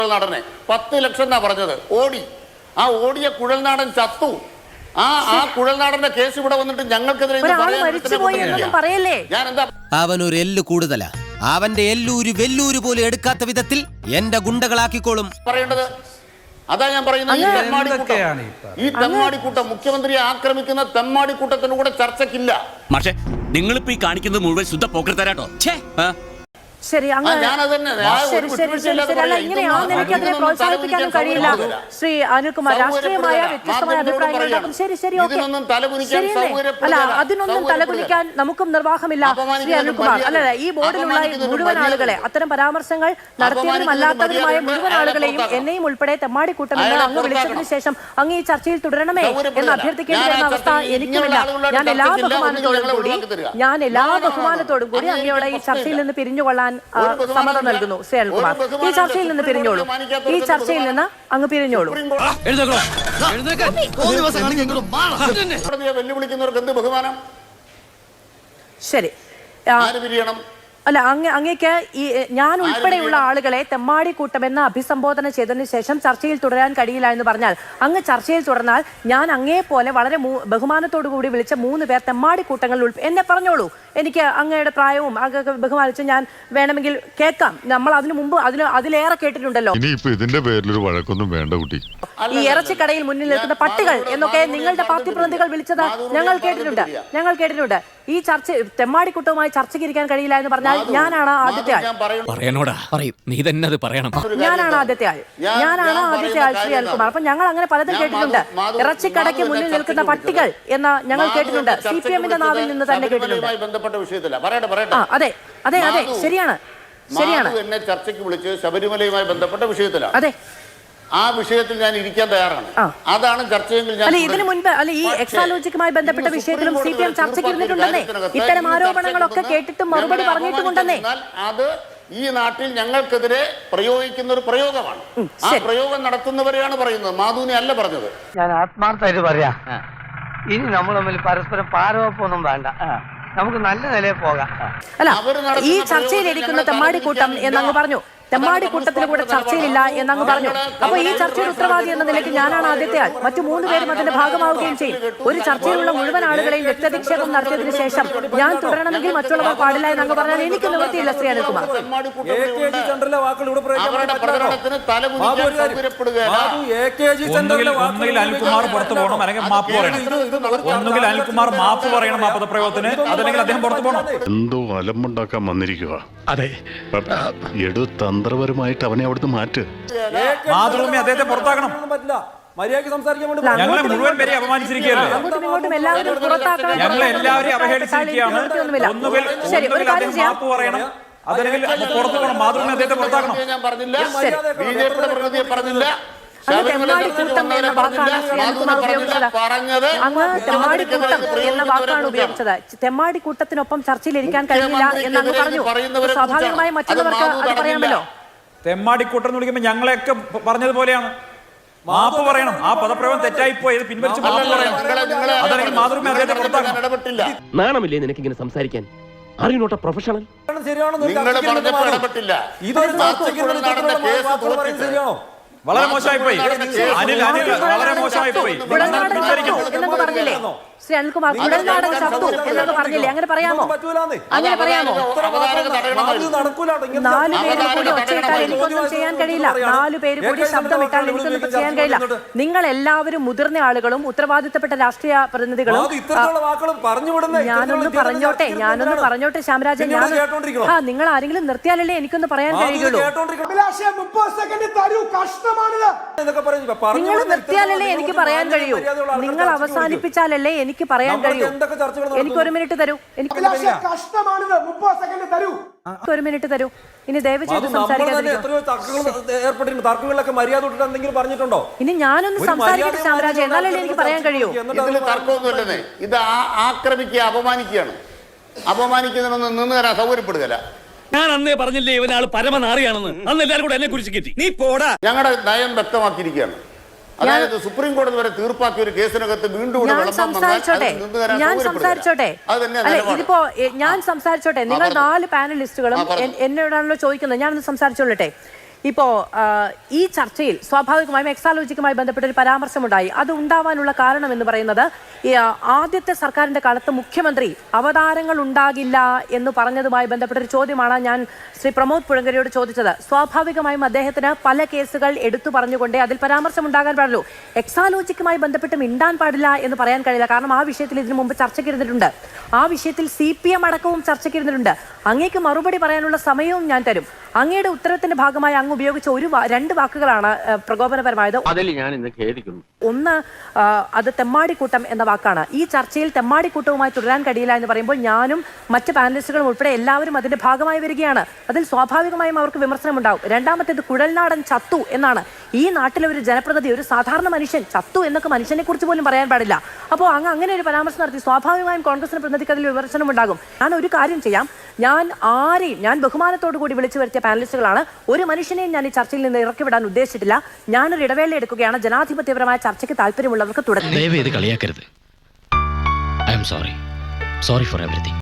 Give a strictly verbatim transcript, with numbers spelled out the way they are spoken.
നടനെ പത്ത് ലക്ഷം എന്നാ പറഞ്ഞത് ഓടി ആ ഓടിയ കുഴൽനാടൻ ചത്തു ആ ആ കുഴൽനാടന്റെ കേസ് ഇവിടെ വന്നിട്ട് ഞങ്ങൾക്കെതിരെ ഞാൻ എന്താ അവനൊരു എല്ല് കൂടുതലാ അവന്റെ എല്ലൂര് വെല്ലൂര് പോലും എടുക്കാത്ത വിധത്തിൽ എന്റെ ഗുണ്ടകളാക്കിക്കോളും പറയേണ്ടത് അതാ ഞാൻ പറയുന്നത് ഈ തെമ്മാടിക്കൂട്ടം ഈ തെമ്മാടിക്കൂട്ടം മുഖ്യമന്ത്രിയെ ആക്രമിക്കുന്ന തെമ്മാടിക്കൂട്ടത്തിന് കൂടെ ചർച്ചയ്ക്കില്ല പക്ഷേ നിങ്ങളിപ്പോ ഈ കാണിക്കുന്നത് മുഴുവൻ ശുദ്ധ പോക്കർത്തരാട്ടോ ശരി ഇങ്ങനെയാണെന്ന് എനിക്ക് അതിനെ പ്രോത്സാഹിപ്പിക്കാനും കഴിയില്ല. ശ്രീ അനിൽകുമാർ, രാഷ്ട്രീയമായ വ്യത്യസ്തമായ അഭിപ്രായങ്ങളുണ്ടാകും. ശരി ശരി ഓക്കെ അല്ല അതിനൊന്നും തലകുനിക്കാൻ നമുക്കും നിർവാഹമില്ല ശ്രീ അനിൽകുമാർ. അല്ല ഈ ബോർഡിലുള്ള മുഴുവൻ ആളുകളെ അത്തരം പരാമർശങ്ങൾ നടത്തിയവരും അല്ലാത്തവരുമായ മുഴുവൻ ആളുകളെയും എന്നെയും ഉൾപ്പെടെ തെമ്മാടിക്കൂട്ടമെന്ന് അങ്ങ് വിളിച്ചതിന് ശേഷം അങ്ങ് ഈ ചർച്ചയിൽ തുടരണമേ എന്ന് അഭ്യർത്ഥിക്കേണ്ടി വരുന്ന അവസ്ഥ എനിക്കുമില്ല. ഞാൻ എല്ലാ ബഹുമാനത്തോടും കൂടി ഞാൻ എല്ലാ ബഹുമാനത്തോടും കൂടി അങ്ങയോടെ ഈ ചർച്ചയിൽ നിന്ന് പിരിഞ്ഞുകൊള്ളാൻ സമ്മതം നൽകുന്നു. ശ്രീ അനിൽകുമാർ, ഈ ചർച്ചയിൽ നിന്ന് പിരിഞ്ഞോളൂ. ഈ ചർച്ചയിൽ നിന്ന് അങ്ങ് പിരിഞ്ഞോളൂ. വെല്ലുവിളിക്കുന്നവർക്ക് എന്ത് ബഹുമാനം? ശരി അല്ല അങ്ങ് അങ്ങേക്ക് ഈ ഞാൻ ഉൾപ്പെടെയുള്ള ആളുകളെ തെമ്മാടിക്കൂട്ടമെന്ന് അഭിസംബോധന ചെയ്തതിനു ശേഷം ചർച്ചയിൽ തുടരാൻ കഴിയില്ല എന്ന് പറഞ്ഞാൽ അങ്ങ് ചർച്ചയിൽ തുടർന്നാൽ ഞാൻ അങ്ങേ പോലെ വളരെ ബഹുമാനത്തോടു കൂടി വിളിച്ച മൂന്ന് പേർ തെമ്മാടിക്കൂട്ടങ്ങളിൽ എന്നെ പറഞ്ഞോളൂ. എനിക്ക് അങ്ങയുടെ പ്രായവും അങ്ങ് ബഹുമാനിച്ച് ഞാൻ വേണമെങ്കിൽ കേൾക്കാം. നമ്മൾ അതിനു മുമ്പ് അതിന് അതിലേറെ കേട്ടിട്ടുണ്ടല്ലോ. ഇതിന്റെ പേരിലൊരു വഴക്കൊന്നും വേണ്ട കുട്ടി. ഈ ഇറച്ചിക്കടയിൽ മുന്നിൽ നിൽക്കുന്ന പട്ടികൾ എന്നൊക്കെ നിങ്ങളുടെ പാർട്ടി പ്രതിനിധികൾ വിളിച്ചത് ഞങ്ങൾ കേട്ടിട്ടുണ്ട് ഞങ്ങൾ കേട്ടിട്ടുണ്ട് ഈ ചർച്ച തെമ്മാടിക്കൂട്ടവുമായി ചർച്ചയ്ക്ക് ഇരിക്കാൻ കഴിയില്ല എന്ന് പറഞ്ഞാൽ ഞാനാണ് ആദ്യത്തെ ആൾ. പറയണോടാ പറയും നീ തന്നെ അത് പറയണം. ഞാനാണ് ആദ്യത്തെ ആൾ ഞാനാണ് ആദ്യത്തെ ആൾ ശ്രീ അനിൽകുമാർ. അപ്പൊ ഞങ്ങൾ അങ്ങനെ പലതും കേട്ടിട്ടുണ്ട്. ഇറച്ചിക്കടയ്ക്ക് മുന്നിൽ നിൽക്കുന്ന പട്ടികൾ എന്ന് ഞങ്ങൾ കേട്ടിട്ടുണ്ട്. സി പി എമ്മിന്റെ നാവിൽ നിന്ന് തന്നെ കേട്ടിട്ടുണ്ട്. അതെ അതെ അതെ ശരിയാണ് ശരിയാണ് എന്നെ ചർച്ചയ്ക്ക് വിളിച്ച് ശബരിമലയുമായി ബന്ധപ്പെട്ട വിഷയത്തിലാണ്. അതെ ആ വിഷയത്തിൽ ഞാൻ ഇരിക്കാൻ തയ്യാറാണ്. അതാണ് ചർച്ചയെങ്കിൽ അല്ല ഇതിനു മുൻപ് അല്ല ഈ എക്സാലോജിക്കുമായി ബന്ധപ്പെട്ട വിഷയത്തിലും സി പി എം ചർച്ചയ്ക്ക് ഇരുന്നിട്ടുണ്ടെന്നേ. ഇത്തരം ആരോപണങ്ങളൊക്കെ കേട്ടിട്ടും മറുപടി പറഞ്ഞിട്ടുമുണ്ടെന്നേ. അത് ഈ നാട്ടിൽ ഞങ്ങൾക്കെതിരെ പ്രയോഗിക്കുന്ന ഒരു പ്രയോഗമാണ്. ആ പ്രയോഗം നടത്തുന്നവരെയാണ് പറയുന്നത്, മാധുവിനെ അല്ല പറഞ്ഞത്. ഞാൻ ആത്മാർത്ഥമായിട്ട് പറയാ, ഇനി നമ്മൾ തമ്മിൽ പരസ്പരം പാരവപ്പൊന്നും വേണ്ട, നമുക്ക് നല്ല നിലയിൽ പോകാം. അല്ല ഈ ചർച്ചയിലിരിക്കുന്ന തെമ്മാടിക്കൂട്ടം എന്നങ്ങ് പറഞ്ഞു. തെമ്മാടിക്കൂട്ടത്തിന് കൂടെ ചർച്ചയിലില്ല എന്നങ്ങ് പറഞ്ഞു. അപ്പൊ ഈ ചർച്ചയുടെ ഉത്തരവാദി എന്ന നിലയ്ക്ക് ഞാനാണ് ആദ്യത്തെ ആൾ. മറ്റു മൂന്ന് പേരും അതിന്റെ ഭാഗമാവുകയും ചെയ്യും. ഒരു ചർച്ചയിലുള്ള മുഴുവൻ ആളുകളെയും വ്യക്തിധിക്ഷേപം നടത്തിയതിനു ശേഷം ഞാൻ തുടരണമെങ്കിൽ മറ്റുള്ളവർ പാടില്ല എന്നങ്ങ് പറഞ്ഞാൽ എനിക്ക് നിവൃത്തിയില്ല ശ്രീ അനിൽകുമാർ. അനിൽകുമാർ പുറത്തു പോകണം, അല്ലെങ്കിൽ മാപ്പ് പറയണം. ഒന്നുകിൽ അനിൽകുമാർ മാപ്പ് പറയണം ആ പദപ്രയോഗത്തിന്, അതല്ലെങ്കിൽ അദ്ദേഹം പുറത്തു പോകണം. എന്തോ അലമ്പുണ്ടാക്കാൻ വന്നിരിക്കുക. അതെ എടു തന്ത്രപരമായിട്ട് അവനെ അവിടുന്ന് മാറ്റ്. മാതൃഭൂമി അദ്ദേഹത്തെ പുറത്താക്കണം. ഞങ്ങളെ മുഴുവൻ പേരെ അപമാനിച്ചിരിക്കുകയല്ലേ, ഞങ്ങളെ എല്ലാവരെയും അവഹേളിച്ചിരിക്കുകയാണ്. ഒന്നുകിൽ ഒന്നുകിൽ അദ്ദേഹം മാപ്പ് പറയണം, അതല്ലെങ്കിൽ പുറത്തു പോകണം. മാതൃഭൂമി അദ്ദേഹത്തെ പുറത്താക്കണം. ഞാൻ പറഞ്ഞില്ല, ബി ജെ പിയുടെ പ്രതിനിധിയെ പറഞ്ഞില്ല. തെമ്മാടിക്കൂട്ടം എന്ന വാക്കാണ് ശ്രീ അനിൽകുമാർ ഉപയോഗിച്ചത്. അങ്ങ് തെമ്മാടിക്കൂട്ടം എന്ന വാക്കാണ് ഉപയോഗിച്ചത്. തെമ്മാടിക്കൂട്ടത്തിനൊപ്പം ചർച്ചയിലിരിക്കാൻ കഴിയില്ല എന്നങ്ങ് പറഞ്ഞു. സ്വാഭാവികമായും മറ്റുള്ളവർക്ക് അത് പറയാമല്ലോ. തെമ്മാടിക്കൂട്ടം എന്ന് വിളിക്കുമ്പോൾ ഞങ്ങളെയൊക്കെ പറഞ്ഞതുപോലെയാണ്. മാപ്പ് പറയണം, ആ പദപ്രയോഗം തെറ്റായി പോയത് പിൻവലിച്ച് മാപ്പ് പറയണം, അതല്ലെങ്കിൽ മാതൃഭൂമി അദ്ദേഹത്തെ പുറത്താക്കണം. നാണമില്ലേ നിനക്ക് ഇങ്ങനെ സംസാരിക്കാൻ? അറിയണോട്ട പ്രൊഫഷണൽ. വളരെ മോശമായി പോയി അനിൽ അനിൽ വളരെ മോശമായി പോയി. എന്നൊക്കെ പറഞ്ഞില്ലേ ശ്രീ അനിൽകുമാർ? കുഴൽനാടൻ ചത്തു എന്നൊക്കെ പറഞ്ഞില്ലേ? അങ്ങനെ പറയാമോ? അങ്ങനെ പറയാമോ? നാലു പേര് കൂടി ഒച്ചയിട്ടാൽ എനിക്കൊന്നും ചെയ്യാൻ കഴിയില്ല. നാലു പേര് കൂടി ശബ്ദമിട്ടാൽ എനിക്കൊന്നും ചെയ്യാൻ കഴിയില്ല. നിങ്ങൾ എല്ലാവരും മുതിർന്ന ആളുകളും ഉത്തരവാദിത്തപ്പെട്ട രാഷ്ട്രീയ പ്രതിനിധികളും. ഞാനൊന്ന് പറഞ്ഞോട്ടെ ഞാനൊന്ന് പറഞ്ഞോട്ടെ ശ്യാമരാജൻ. ഞാൻ ആ നിങ്ങൾ ആരെങ്കിലും നിർത്തിയാലല്ലേ എനിക്കൊന്ന് പറയാൻ കഴിയുള്ളൂ. നിങ്ങൾ നിർത്തിയാലല്ലേ എനിക്ക് പറയാൻ കഴിയൂ. നിങ്ങൾ അവസാനിപ്പിച്ചാലല്ലേ എനിക്ക് പറയാൻ കഴിയൂ. എനിക്ക് ഒരു മിനിറ്റ് തരൂ. എനിക്ക് ഒരു മിനിറ്റ് തരൂ. ഇനി ദയവ് ചെയ്ത് ഇനി ഞാനൊന്ന് സംസാരിക്കട്ടെ ശ്യാമരാജ്, എന്നാലല്ലേ എനിക്ക് പറയാൻ കഴിയൂ. തർക്കമൊന്നുമില്ലെന്നേ. ഇത് ആക്രമിക്കുക, അപമാനിക്കുകയാണ്. അപമാനിക്കുന്നതിനൊന്നും നിന്ന് തരാൻ സൗകര്യപ്പെടുകയല്ല. ഞാൻ അന്നേ പറഞ്ഞില്ലേ ഇവനാള് പരമനാറിയാണെന്ന്. അന്ന് എല്ലാവരും കൂടെ എന്നെ കുറിച്ച് കെട്ടി. നീ പോടാ. ഞങ്ങളുടെ നയം വ്യക്തമാക്കിയിരിക്കുകയാണ്. അതായത് സുപ്രീം കോടതി വരെ തീർപ്പാക്കിയ ഒരു കേസിനകത്ത് വീണ്ടും ഞാൻ സംസാരിച്ചോട്ടെ ഞാൻ സംസാരിച്ചോട്ടെ അല്ല ഇതിപ്പോ ഞാൻ സംസാരിച്ചോട്ടെ. നിങ്ങൾ നാല് പാനലിസ്റ്റുകളും എന്നോടാണല്ലോ ചോദിക്കുന്നത്. ഞാനൊന്ന് സംസാരിച്ചോളട്ടെ. ഇപ്പോ ആ, ഈ ചർച്ചയിൽ സ്വാഭാവികമായും എക്സാലോജിക്കുമായി ബന്ധപ്പെട്ട ഒരു പരാമർശമുണ്ടായി. അത് ഉണ്ടാവാനുള്ള കാരണം എന്ന് പറയുന്നത് ഈ, ആ, ആദ്യത്തെ സർക്കാരിന്റെ കാലത്ത് മുഖ്യമന്ത്രി അവതാരങ്ങൾ ഉണ്ടാകില്ല എന്ന് പറഞ്ഞതുമായി ബന്ധപ്പെട്ട ഒരു ചോദ്യമാണ് ഞാൻ ശ്രീ പ്രമോദ് പുഴങ്കരിയോട് ചോദിച്ചത്. സ്വാഭാവികമായും അദ്ദേഹത്തിന് പല കേസുകൾ എടുത്തു പറഞ്ഞുകൊണ്ടേ അതിൽ പരാമർശം ഉണ്ടാകാൻ പാടുള്ളൂ. എക്സാലോജിക്കുമായി ബന്ധപ്പെട്ട് മിണ്ടാൻ പാടില്ല എന്ന് പറയാൻ കഴിയില്ല. കാരണം ആ വിഷയത്തിൽ ഇതിനു മുമ്പ് ചർച്ചയ്ക്കിരുന്നിട്ടുണ്ട്. ആ വിഷയത്തിൽ സി പി എം അടക്കവും ചർച്ചയ്ക്കിരുന്നിട്ടുണ്ട്. അങ്ങേക്ക് മറുപടി പറയാനുള്ള സമയവും ഞാൻ തരും. അങ്ങയുടെ ഉത്തരത്തിന്റെ ഭാഗമായി അങ്ങ് ഉപയോഗിച്ച ഒരു വാ- രണ്ട് വാക്കുകളാണ് ഏഹ്, പ്രകോപനപരമായത്. അതിൽ ഞാൻ ഇന്ന് ഖേദിക്കുന്നു. ഒന്ന് ആ, അത് തെമ്മാടിക്കൂട്ടം എന്ന വാക്കാണ്. ഈ ചർച്ചയിൽ തെമ്മാടിക്കൂട്ടവുമായി തുടരാൻ കഴിയില്ല എന്ന് പറയുമ്പോൾ ഞാനും മറ്റ് പാനലിസ്റ്റുകളും ഉൾപ്പെടെ എല്ലാവരും അതിന്റെ ഭാഗമായി വരികയാണ്. അതിൽ സ്വാഭാവികമായും അവർക്ക് വിമർശനം ഉണ്ടാവും. രണ്ടാമത്തേത് കുഴൽനാടൻ ചത്തു എന്നാണ്. ഈ നാട്ടിലെ ഒരു ജനപ്രതിനിധി, ഒരു സാധാരണ മനുഷ്യൻ ചത്തു എന്നൊക്കെ മനുഷ്യനെ കുറിച്ച് പോലും പറയാൻ പാടില്ല. അപ്പോൾ അങ്ങ് അങ്ങനെ ഒരു പരാമർശം നടത്തി സ്വാഭാവികമായും കോൺഗ്രസിന്റെ പ്രതിനിധിക്ക് അതിൽ വിമർശനം ഉണ്ടാകും. ഞാൻ ഒരു കാര്യം ചെയ്യാം, ഞാൻ ആരെയും ഞാൻ ബഹുമാനത്തോടു കൂടി വിളിച്ചു വരുത്തിയ പാനലിസ്റ്റുകളാണ്. ഒരു മനുഷ്യനെയും ഞാൻ ഈ ചർച്ചയിൽ നിന്ന് ഇറക്കിവിടാൻ ഉദ്ദേശിച്ചിട്ടില്ല. ഞാനൊരു ഇടവേള എടുക്കുകയാണ്. ജനാധിപത്യപരമായ ചർച്ചയ്ക്ക് താല്പര്യമുള്ളവർക്ക് തുടങ്ങി. ദയവേത് കളിയാക്കരുത്. I am sorry sorry for everything.